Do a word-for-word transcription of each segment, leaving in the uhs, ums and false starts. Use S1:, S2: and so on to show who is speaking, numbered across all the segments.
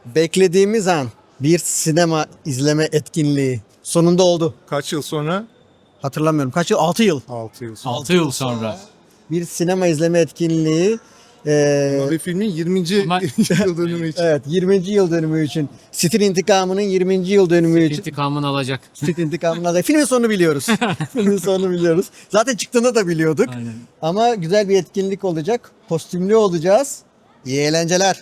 S1: Beklediğimiz an bir sinema izleme etkinliği sonunda oldu.
S2: Kaç yıl sonra?
S1: Hatırlamıyorum. Kaç yıl? altı yıl.
S2: altı yıl sonra.
S3: altı yıl sonra.
S1: Bir sinema izleme etkinliği. Ee,
S2: Mavi filmin yirminci
S3: Ama-
S2: yıl dönümü için.
S1: evet yirminci yıl dönümü için. Stil intikamının yirminci yıl dönümü için.
S3: İntikamını alacak.
S1: Stil intikamının alacak. Filmin sonunu biliyoruz. Filmin sonunu biliyoruz. Zaten çıktığında da biliyorduk.
S3: Aynen.
S1: Ama güzel bir etkinlik olacak. Kostümlü olacağız. İyi eğlenceler.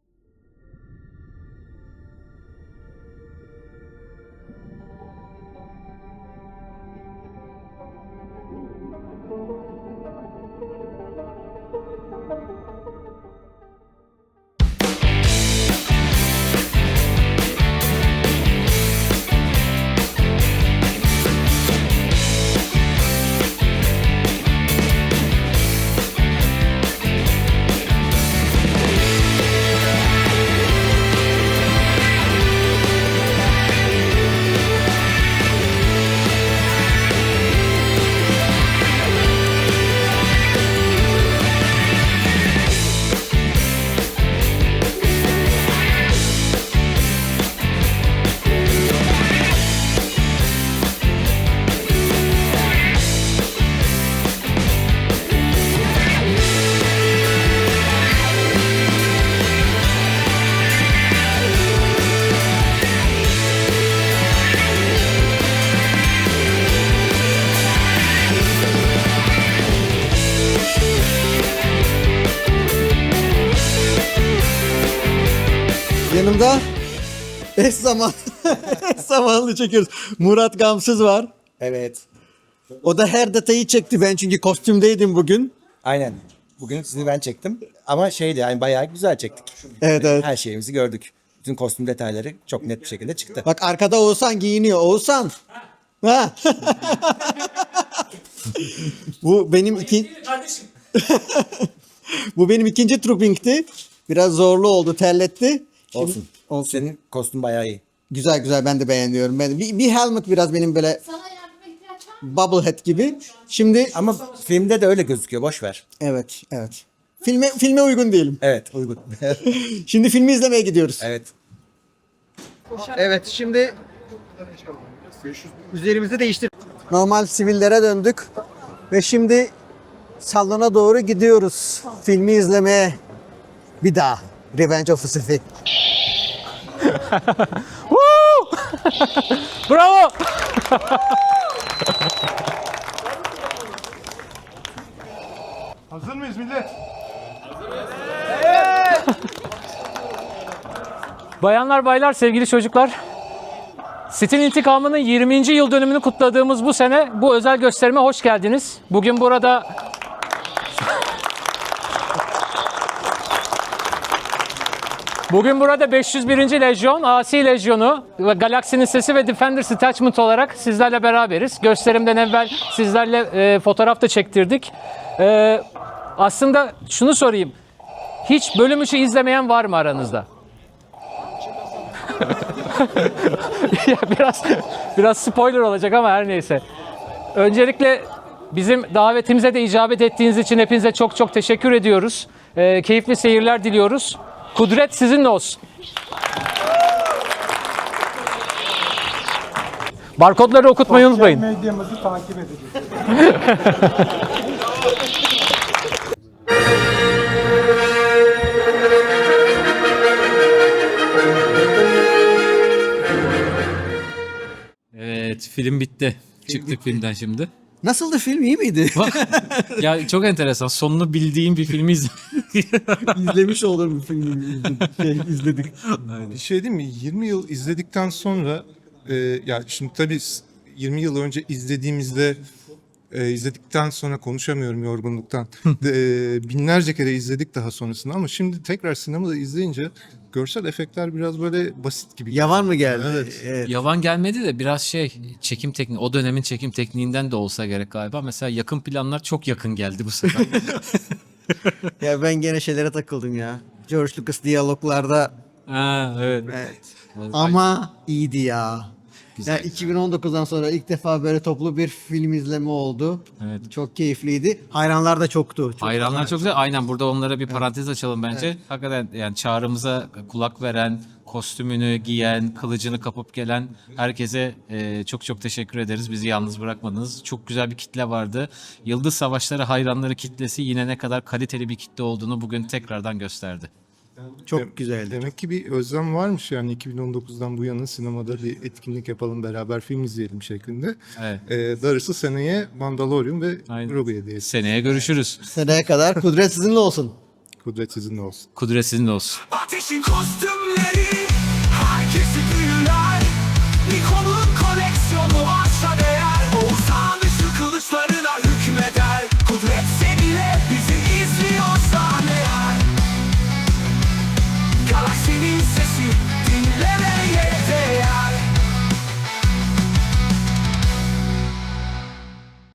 S1: Yanımda eş zaman eş zamanlı çekiyoruz. Murat Gamsız var.
S4: Evet.
S1: O da her detayı çekti, ben çünkü kostümdeydim bugün.
S4: Aynen. Bugün sizi ben çektim. Ama şeydi yani bayağı güzel çektik.
S1: Evet evet.
S4: Her şeyimizi gördük. Bütün kostüm detayları çok net bir şekilde çıktı.
S1: Bak arkada Oğuzhan giyiniyor. Oğuzhan. Ha. Bu benim iki Bu benim ikinci trooping'ti. Biraz zorlu oldu, terletti. Şimdi-
S4: Olsun.
S1: Olsun.
S4: Senin kostüm bayağı iyi.
S1: Güzel güzel, ben de beğeniyorum. Ben bir, bir helmet biraz benim böyle
S5: Sana yardıma ihtiyaç var mı?
S1: bubblehead gibi. Şimdi
S4: Ama filmde de öyle gözüküyor. Boş ver.
S1: evet evet. Filme filme uygun değilim.
S4: Evet uygun.
S1: Şimdi filmi izlemeye gidiyoruz.
S4: evet.
S1: Evet, şimdi üzerimizi değiştir. Normal sivillere döndük ve şimdi salona doğru gidiyoruz. Filmi izlemeye bir daha. Revenge of the Sith.
S3: Bravo!
S2: Hazır mıyız millet?
S3: Bayanlar baylar sevgili çocuklar. Stil intikamının yirminci yıl dönümünü kutladığımız bu sene bu özel gösterime hoş geldiniz. Bugün burada Bugün burada beş yüz birinci. Lejyon, Asi Lejyonu ve Galaksinin Sesi ve Defenders Detachment olarak sizlerle beraberiz. Gösterimden evvel sizlerle e, fotoğraf da çektirdik. E, aslında şunu sorayım. Hiç bölüm üçü izlemeyen var mı aranızda? Ya biraz biraz spoiler olacak ama her neyse. Öncelikle bizim davetimize de icabet ettiğiniz için hepinize çok çok teşekkür ediyoruz. E, keyifli seyirler diliyoruz. Kudret sizinle olsun. Barkodları okutmayı unutmayın.
S2: Medyamızı takip edeceğiz.
S6: Evet, film bitti. Çıktık filmden şimdi.
S1: Nasıldı film, iyi miydi?
S6: Ya çok enteresan. Sonunu bildiğim bir filmi izledim.
S1: İzlemiş olur bu filmi izledik. Şey, izledik.
S2: Bir şey değil mi? yirmi yıl izledikten sonra e, ya şimdi tabii yirmi yıl önce izlediğimizde e, izledikten sonra konuşamıyorum yorgunluktan. De, e, binlerce kere izledik daha sonrasında ama şimdi tekrar sinemada izleyince görsel efektler biraz böyle basit gibi.
S1: Yavan mı geldi?
S2: Evet.
S1: Evet.
S6: Yavan gelmedi de biraz şey çekim tekniği, o dönemin çekim tekniğinden de olsa gerek galiba. Mesela yakın planlar çok yakın geldi bu sefer.
S1: Ya ben gene şeylere takıldım ya. George Lucas diyaloglarda
S6: Ha, evet.
S1: evet. Ama iyiydi ya.
S6: Güzel.
S1: Yani iki bin on dokuzdan sonra ilk defa böyle toplu bir film izleme oldu.
S6: Evet.
S1: Çok keyifliydi. Hayranlar da çoktu. Çok
S6: Hayranlar çok güzel. Aynen burada onlara bir parantez açalım bence. Hakikaten yani çağrımıza kulak veren, kostümünü giyen, kılıcını kapıp gelen herkese e, çok çok teşekkür ederiz. Bizi yalnız bırakmadınız. Çok güzel bir kitle vardı. Yıldız Savaşları hayranları kitlesi yine ne kadar kaliteli bir kitle olduğunu bugün tekrardan gösterdi.
S1: çok güzeldi.
S2: Demek ki bir özlem varmış yani iki bin on dokuzdan bu yana sinemada bir etkinlik yapalım, beraber film izleyelim şeklinde.
S6: Evet.
S2: Ee, darısı seneye Mandalorian ve
S6: Aynen.
S2: Grogu hediyesi.
S6: Seneye görüşürüz.
S1: Seneye kadar kudret sizinle olsun.
S2: Kudret sizinle olsun.
S6: Kudret sizinle olsun.
S5: Ateşin kostümleri herkesi büyü